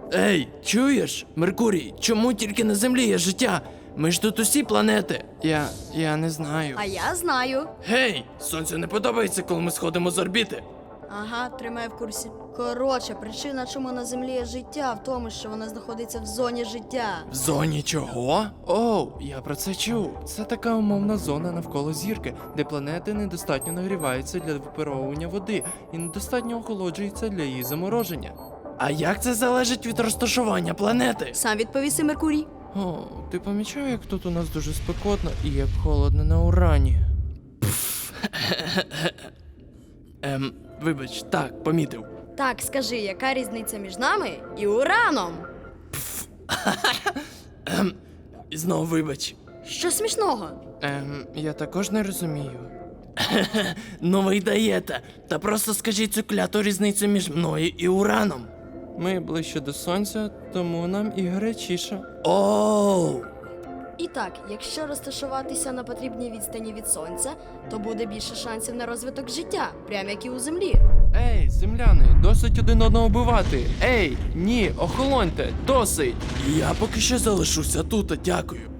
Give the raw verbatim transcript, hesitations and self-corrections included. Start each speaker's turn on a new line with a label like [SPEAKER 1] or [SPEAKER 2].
[SPEAKER 1] Ей, чуєш? Меркурій, чому тільки на Землі є життя? Ми ж тут усі планети. Я. я не знаю.
[SPEAKER 2] А я знаю.
[SPEAKER 1] Гей! Сонцю не подобається, коли ми сходимо з орбіти.
[SPEAKER 2] Ага, тримай в курсі. Коротше, причина, чому на землі є життя, в тому, що вона знаходиться в зоні життя.
[SPEAKER 1] В зоні чого? Оу, я про це чув. Це така умовна зона навколо зірки, де планети недостатньо нагріваються для випаровування води і недостатньо охолоджуються для її замороження. А як це залежить від розташування планети?
[SPEAKER 2] Сам відповіси, Меркурій.
[SPEAKER 1] О, ти помічав, як тут у нас дуже спекотно і як холодно на Урані? Ем, вибач, так, помітив.
[SPEAKER 2] Так, скажи, яка різниця між нами і Ураном?
[SPEAKER 1] Ем, і знову вибач.
[SPEAKER 2] Що смішного?
[SPEAKER 1] Ем, я також не розумію. Ну ви й даєте. Та просто скажіть цю кляту різницю між мною і Ураном. Ми ближче до сонця, тому нам і гарячіше. Оу!
[SPEAKER 2] І так, якщо розташуватися на потрібній відстані від сонця, то буде більше шансів на розвиток життя, прямо як і у землі.
[SPEAKER 1] Ей, земляни, досить один одного вбивати. Ей, ні, охолоньте, досить. Я поки що залишуся тут, дякую.